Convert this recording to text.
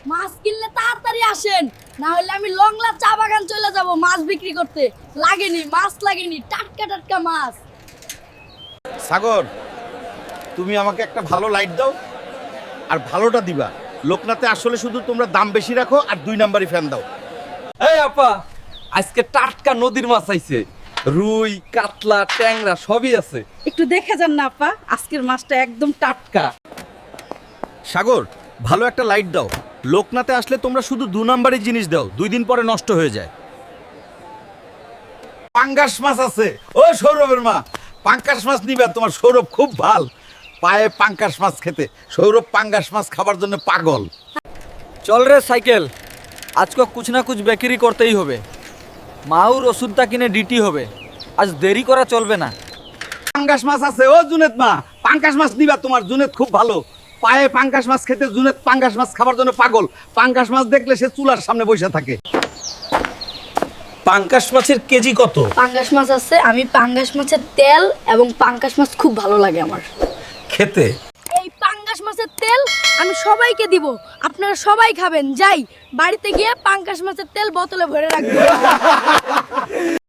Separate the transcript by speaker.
Speaker 1: মাছ কিনলে তাড়াতাড়ি আসেন, না হলে আমি লংলা চা বাগান চলে যাব মাছ বিক্রি করতে। লাগেনি মাছ, লাগেনি, টাটকা টাটকা মাছ।
Speaker 2: সাগর, তুমি আমাকে একটা ভালো লাইট দাও, আর ভালোটা দিবা। লোকনাথে আসলে শুধু তোমরা দাম বেশি রাখো আর 2 নাম্বারই ফ্যান দাও।
Speaker 3: এই আপা, আজকে টাটকা নদীর মাছ আইছে, রুই, কাতলা, ট্যাংরা সবই আছে।
Speaker 4: একটু দেখে যান না আপা, আজকের মাছটা একদম টাটকা।
Speaker 2: সাগর, ভালো একটা লাইট দাও। লোকনাথে আসলে তোমরা শুধু 2 নাম্বারই জিনিস দাও, 2 দিন পরে নষ্ট হয়ে যায়। পাঙ্গাস মাছ আছে। ও সৌরভের মা, পাঙ্গাস মাছ নিবে? তোমার সৌরভ খুব ভাল পায়ে পাঙ্গাস মাছ খেতে। সৌরভ পাঙ্গাস মাছ খাবার জন্য পাগল।
Speaker 5: চল রে সাইকেল, আজকে কুছ না কুছ বেকারি করতেই হবে। মাউর ওষুধটা কিনে ডিটি হবে, আজ দেরি করা চলবে না।
Speaker 2: পাঙ্গাস মাছ আছে। ও জুনেদ মা, পাঙ্গাস মাছ নিবা? তোমার জুনেদ খুব ভালো পায়ে পাঙ্গাস মাছ খেতে। জুনেদ পাঙ্গাস মাছ খাবার জন্য পাগল। পাঙ্গাস মাছ দেখলে সে চুলার সামনে বসে থাকে।
Speaker 6: পাঙ্কাশ মাছের কেজি কত?
Speaker 1: পাঙ্গাস মাছ আছে, আমি পাঙ্গাস মাছের তেল এবং পাঙ্গাস মাছ খুব ভালো লাগে আমার
Speaker 6: খেতে।
Speaker 1: এই পাঙ্গাস মাছের তেল আমি সবাইকে দিব, আপনারা সবাই খাবেন। যাই বাড়িতে গিয়ে পাঙ্গাস মাছের তেল বোতলে ভরে রাখবেন।